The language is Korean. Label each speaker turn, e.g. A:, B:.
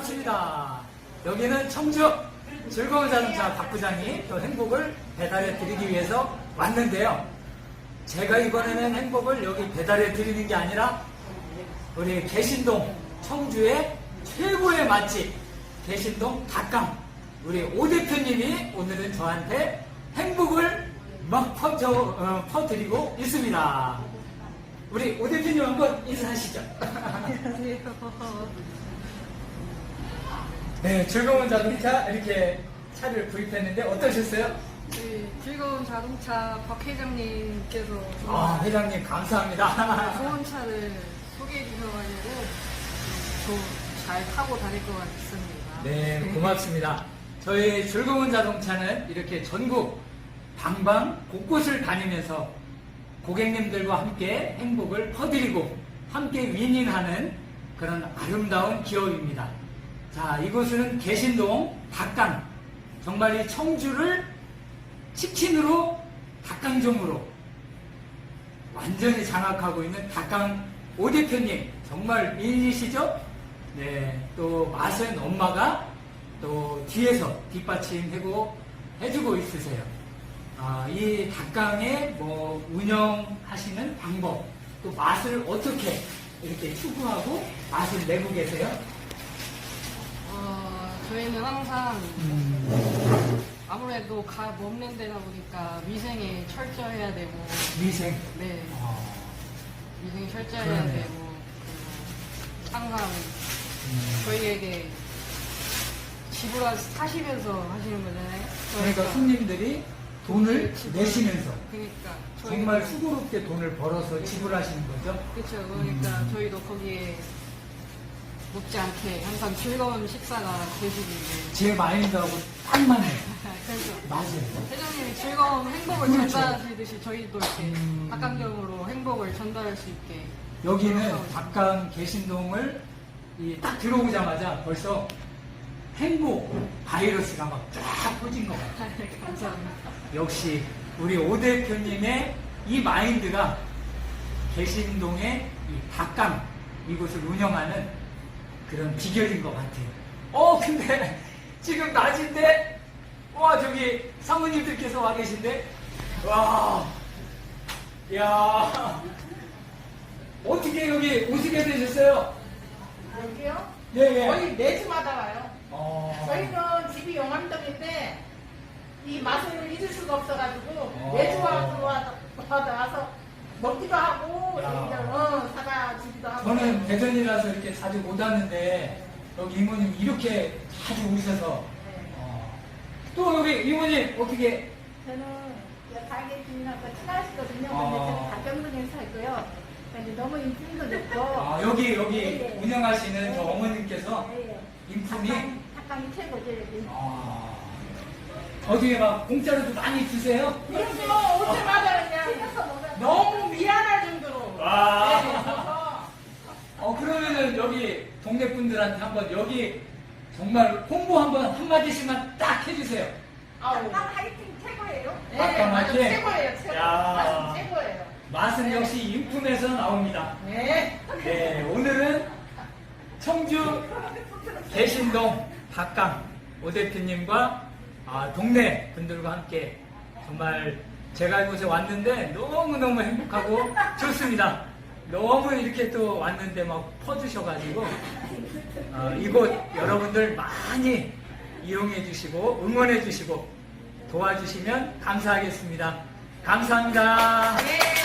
A: 반갑습니다. 여기는 청주 즐거운 자동차 박 부장이 또 행복을 배달해 드리기 위해서 왔는데요. 제가 이번에는 행복을 여기 배달해 드리는 게 아니라 우리 개신동 청주의 최고의 맛집 개신동 닭강 우리 오 대표님이 오늘은 저한테 행복을 막 퍼드리고 있습니다. 우리 오 대표님 한번 인사하시죠.
B: 안녕하세요.
A: 네, 즐거운 자동차 이렇게 차를 구입했는데 어떠셨어요?
B: 네, 즐거운 자동차 박 회장님께서
A: 회장님 감사합니다.
B: 좋은 차를 소개해 주셔가지고 잘 타고 다닐 것 같습니다.
A: 네, 고맙습니다. 저희 즐거운 자동차는 이렇게 전국 방방 곳곳을 다니면서 고객님들과 함께 행복을 퍼드리고 함께 윈윈하는 그런 아름다운 기업입니다. 자, 이곳은 개신동 닭강. 정말 이 청주를 치킨으로 닭강정으로 완전히 장악하고 있는 닭강 오 대표님. 정말 미인이시죠? 네, 또 맛은 엄마가 또 뒤에서 뒷받침하고 해주고 있으세요. 이 닭강의 운영하시는 방법, 또 맛을 어떻게 이렇게 추구하고 맛을 내고 계세요?
B: 저희는 항상 아무래도 먹는 데다 보니까 위생에 철저해야 되고
A: 위생.
B: 네, 위생에 철저해야
A: 그러네요.
B: 되고 항상 저희에게 사시면서 하시는 거잖아요.
A: 그러니까 손님들이 돈을 내시면서
B: 그러니까
A: 정말 수고롭게 돈을 벌어서 지불하시는 거죠?
B: 그렇죠. 그러니까 저희도 거기에 먹지 않게 항상 즐거운 식사가 되시길.
A: 제 마인드하고 딱 맞네요.
B: 그래서
A: 맞아요.
B: 회장님이 즐거운 행복을
A: 그렇죠.
B: 전달하시듯이 저희도 이렇게 닭강정으로 행복을 전달할 수 있게.
A: 여기는 닭강 개신동을 딱 들어오자마자 벌써 행복 바이러스가 막 쫙 퍼진 것 같아요.
B: 감사합니다.
A: 역시 우리 오 대표님의 이 마인드가 개신동의 이 닭강 이곳을 운영하는 그런 비결인 것 같아요. 근데 지금 낮인데 저기 사모님들께서 와 계신데 야 어떻게 여기 오시게 되셨어요?
C: 여기요?
A: 예.
C: 거의 매주마다 와요.
A: 어,
C: 저희는 집이 용암동인데 이 맛을 잊을 수가 없어가지고 매주 와서 먹기도 하고 사가지기도 하고.
A: 저는 대전이라서 이렇게 자주 못 왔는데 여기 이모님 이렇게 자주 오셔서 또 여기 이모님 어떻게
D: 저는 가게 주인하고 친하시거든요.
A: 아.
D: 근데 저는 가평동에 살고요. 근데 너무 인품도 좋고.
A: 여기
D: 네.
A: 운영하시는 저 어머님께서 인품이
D: 닭강이 최고죠 여기.
A: 어떻게 막 공짜로도 많이 주세요?
C: 그래서 올 때마다 그냥
D: 튀겨서 먹어요.
C: 너무 미안할 정도로.
A: 그러면은 여기 동네 분들한테 한번 여기 정말 홍보 한번 한마디씩만 딱 해주세요.
C: 아우.
D: 닭강 화이팅 최고예요.
C: 네,
A: 닭강
C: 맛은
A: 맛이?
C: 최고예요. 최고.
A: 야.
C: 맛은 최고예요.
A: 맛은 역시 인품에서 나옵니다.
C: 네.
A: 네, 오늘은 청주 개신동 닭강 오 대표님과 동네 분들과 함께 정말 제가 이곳에 왔는데 너무너무 행복하고 좋습니다. 너무 이렇게 또 왔는데 막 퍼주셔가지고 이곳 여러분들 많이 이용해 주시고 응원해 주시고 도와주시면 감사하겠습니다. 감사합니다.
C: 네.